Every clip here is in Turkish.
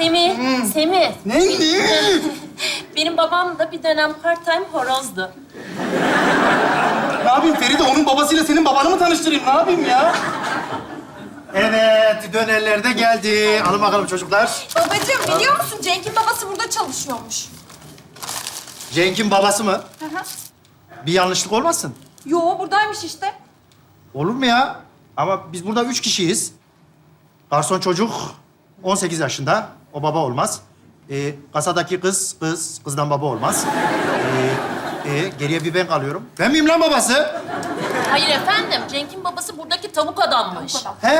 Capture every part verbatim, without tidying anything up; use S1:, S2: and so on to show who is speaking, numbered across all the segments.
S1: Semih, Semih.
S2: Neydi?
S1: Benim babam da bir dönem part-time horozdu.
S2: Ne yapayım Feride? Onun babasıyla senin babanı mı tanıştırayım? Ne yapayım ya?
S3: Evet, dönerler de geldi. Alın bakalım çocuklar.
S4: Babacığım biliyor musun Cenk'in babası burada çalışıyormuş.
S3: Cenk'in babası mı?
S4: Hı hı.
S3: Bir yanlışlık olmasın?
S4: Yo buradaymış işte.
S3: Olur mu ya? Ama biz burada üç kişiyiz. Garson çocuk on sekiz yaşında. O baba olmaz. Ee, kasadaki kız, kız. Kızdan baba olmaz. Ee, e, geriye bir ben kalıyorum. Ben miyim lan babası?
S1: Hayır efendim, Cenk'in babası buradaki tavuk adammış.
S3: He,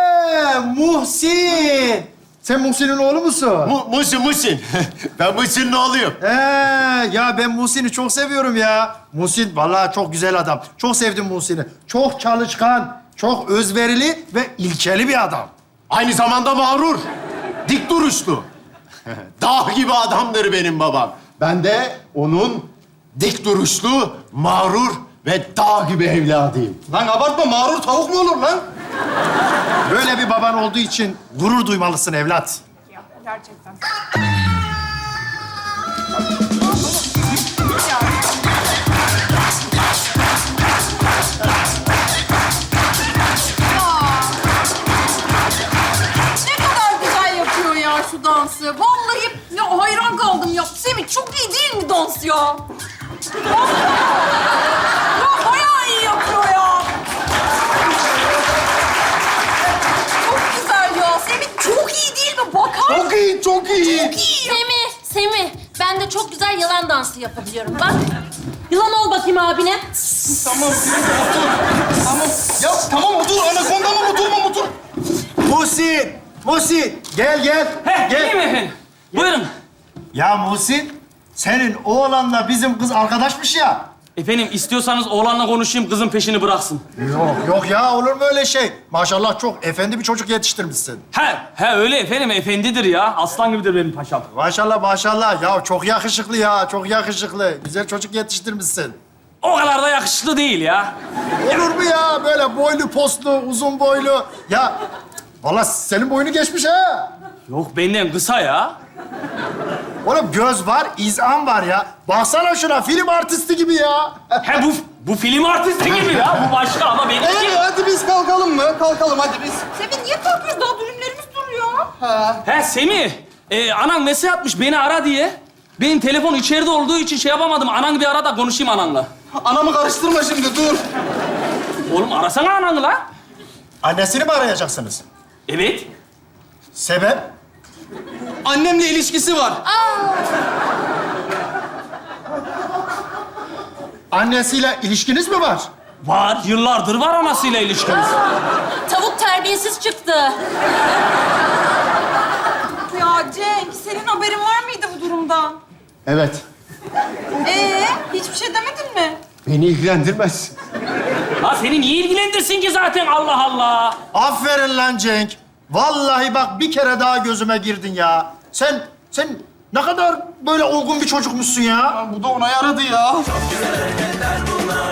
S3: Muhsin. Sen Muhsin'in oğlu musun?
S5: Mu Musin, Musin. Ben Musin'in oğluyum.
S3: He, ya ben Muhsin'i çok seviyorum ya. Muhsin vallahi çok güzel adam. Çok sevdim Muhsin'i. Çok çalışkan, çok özverili ve ilkeli bir adam.
S5: Aynı zamanda mağrur. Dik duruşlu. Dağ gibi adamdır benim babam. Ben de onun dik duruşlu, mağrur ve dağ gibi evladıyım.
S2: Lan abartma, mağrur tavuk mu olur lan?
S3: Böyle bir baban olduğu için gurur duymalısın evlat.
S4: Ya gerçekten. Ne kadar güzel yapıyor ya şu dansı. Vallahi ya hayran kaldım ya. Semih çok iyi değil mi dans ya? Ya bayağı iyi yapıyor ya. Çok güzel ya. Semih çok iyi değil mi? Bakar
S2: Çok iyi, çok iyi.
S4: Çok iyi ya.
S1: Semih, Semih. Ben de çok güzel yılan dansı yapabiliyorum. Bak, yılan ol bakayım abine.
S2: Tamam Feride, otur. Tamam. Ya tamam otur. Anakonda mı oturma mı otur?
S3: Muhsin, Muhsin gel gel.
S6: Heh,
S3: gel.
S6: geleyim mi efendim? Buyurun.
S3: Ya Muhsin, senin oğlanla bizim kız arkadaşmış ya.
S6: Efendim istiyorsanız oğlanla konuşayım, kızın peşini bıraksın.
S3: Yok, yok ya olur mu öyle şey? Maşallah çok efendi bir çocuk yetiştirmişsin.
S6: He, he öyle efendim, efendidir ya. Aslan gibidir benim paşam.
S3: Maşallah maşallah. Ya çok yakışıklı ya, çok yakışıklı. Güzel çocuk yetiştirmişsin.
S6: O kadar da yakışıklı değil ya.
S3: Olur mu ya? Böyle boylu postlu, uzun boylu. Ya vallahi senin boyunu geçmiş ha.
S6: Yok benden kısa ya.
S3: Oğlum göz var, izan var ya. Baksana şuna, film artisti gibi ya.
S6: He bu, bu film artisti gibi ya. Bu başka ama benim
S2: Hadi,
S6: değil.
S2: hadi biz kalkalım mı? Kalkalım hadi biz.
S4: Semih niye kalkıyoruz? Daha dürümlerimiz duruyor.
S6: He Semih, e, anan mesaj atmış beni ara diye. Benim telefon içeride olduğu için şey yapamadım. Anan bir ara da konuşayım ananla.
S2: Anamı karıştırma şimdi, dur.
S6: Oğlum arasana ananı la.
S3: Annesini mi arayacaksınız?
S6: Evet.
S3: Sebep?
S2: Annemle ilişkisi var.
S3: Annesiyle ilişkiniz mi var?
S6: Var, yıllardır var anasıyla ilişkimiz.
S1: Tavuk terbiyesiz çıktı.
S4: Ya Cenk, senin haberin var mıydı bu durumdan?
S5: Evet.
S4: Ee, hiçbir şey demedin mi?
S5: Beni ilgilendirmez.
S6: La seni niye ilgilendirsin ki zaten Allah Allah?
S3: Aferin lan Cenk. Vallahi bak bir kere daha gözüme girdin ya. Sen, sen ne kadar böyle olgun bir çocukmuşsun ya.
S2: Bu da ona yaradı ya.
S7: Hareketler bunlar